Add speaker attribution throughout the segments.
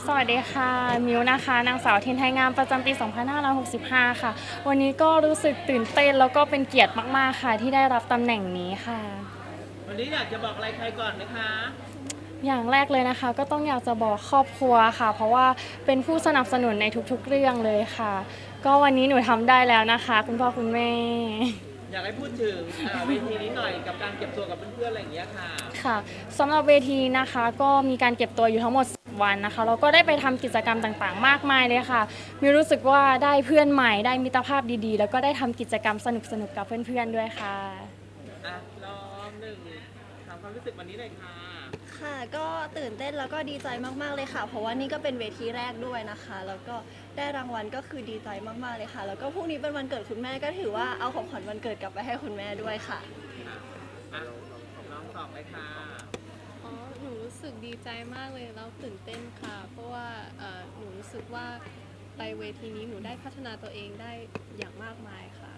Speaker 1: สวัสดีค่ะมิวนะคะนางสาวทินไทยงามประจำปี 2565 ค่ะวันนี้ก็รู้สึกตื่นเต้นแล้วก็เป็นเกียรติมากๆค่ะที่ได้รับตำแหน่งนี้ค่ะ
Speaker 2: วันนี้อยากจะบอกอะไรใครก่อนไหมคะ
Speaker 1: อย่างแรกเลยนะคะก็ต้องอยากจะบอกครอบครัวค่ะเพราะว่าเป็นผู้สนับสนุนในทุกๆเรื่องเลยค่ะก็วันนี้หนูทำได้แล้วนะคะคุณพ่อคุณแม่
Speaker 2: อยากให้พูดถึงเวทีนี้หน่อยกับการเก็บตัวกับเพื่อนๆอะไรอย่างเงี้ยค่ะ
Speaker 1: ค่ะสำหรับเวทีนะคะก็มีการเก็บตัวอยู่ทั้งหมด10 วันนะคะแล้วก็ได้ไปทำกิจกรรมต่างๆมากมายเลยค่ะมิวรู้สึกว่าได้เพื่อนใหม่ได้มิตรภาพดีๆแล้วก็ได้ทำกิจกรรมสนุกๆกับเพื่อนๆด้วยค่ะ
Speaker 2: อ่ะรอบหนึ่งถามความรู้สึกวันนี้หน่อยค่ะ
Speaker 3: ค่ะก็ตื่นเต้นแล้วก็ดีใจมากๆเลยค่ะเพราะว่านี่ก็เป็นเวทีแรกด้วยนะคะแล้วก็ได้รางวัลก็คือดีใจมากๆเลยค่ะแล้วก็พรุ่งนี้เป็นวันเกิดคุณแม่ก็ถือว่าเอาของขวัญวันเกิดกลับไปให้คุณแม่ด้วยค่ะ
Speaker 2: อ่ะน้องตอบเลยค่ะ
Speaker 4: อ๋อหนูรู้สึกดีใจมากเลยแล้วตื่นเต้นค่ะ เพราะว่าหนูรู้สึกว่าไปเวทีนี้หนูได้พัฒนาตัวเองได้อย่างมากมายค่ะ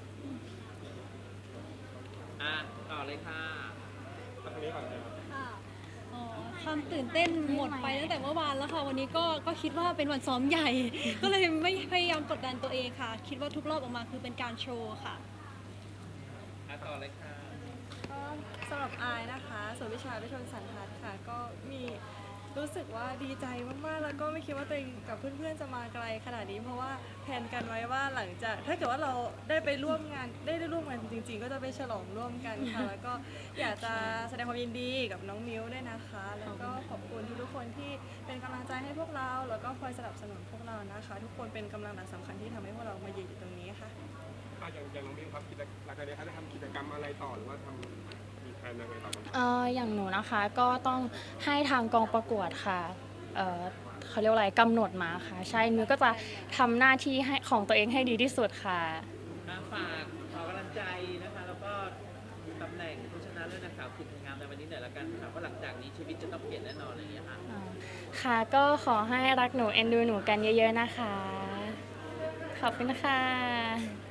Speaker 2: อ่ะต่อเลยค่ะ
Speaker 5: ความตื่นเต้นหมดไปตั้งแต่เมื่อวานแล้วค่ะวันนี้ก็คิดว่าเป็นวันซ้อมใหญ่ ก็เลยไม่พยายามกดดันตัวเองค่ะ คิดว่าทุกรอบออกมาคือเป็นการโชว์ค่ะ
Speaker 2: อ่ะต่อเลยค่ะ
Speaker 6: ก็สำหรับอายนะคะส่วนวิชาวิชนสันทัดค่ะก็มีรู้สึกว่าดีใจมากๆแล้วก็ไม่คิดว่าตัวเองกับเพื่อนๆจะมาไกลขนาดนี้เพราะว่าแผนกันไว้ว่าหลังจากถ้าเกิดว่าเราได้ไปร่วมงานได้ร่วมงานจริงๆก็จะไปฉลองร่วมกันค่ะแล้วก็อยากจะแสดงความยินดีกับน้องมิ้วด้วยนะคะแล้วก็ขอบคุณทุกๆคนที่เป็นกำลังใจให้พวกเราแล้วก็คอยสนับสนุนพวกเรานะคะทุกคนเป็นกำลังหลักสำคัญที่ทำให้พวกเรามายืนอยู่ตรงนี้ค่ะ
Speaker 7: อย่างน้องมิ้วครับหลังจากนี้เขาจะทำกิจกรรมอะไรต่อหรือว่ามีแผนยังไงต่อบ้าง
Speaker 1: อย่างหนูนะคะก็ต้องให้ทางกองประกวดค่ะเขาเรียกว่าอะไรกำหนดมาค่ะใช่มิวก็จะทำหน้าที่ให้ของตัวเองให้ดีที่สุดค่ะ
Speaker 2: ฝากขอกำลังใจนะคะแล้วก็ตำแหน่งผู้ชนะเลิศนางสาวคุณงามในวันนี้หน่อยละกันค่ะว่าหลังจากนี้ชีวิตจะต้องเปลี่ยนแน่นอนอะไรอย่างเงี้ยค่ะ
Speaker 1: ค่ะก็ขอให้รักหนูเอ็นดูหนูกันเยอะๆนะคะขอบคุณค่ะ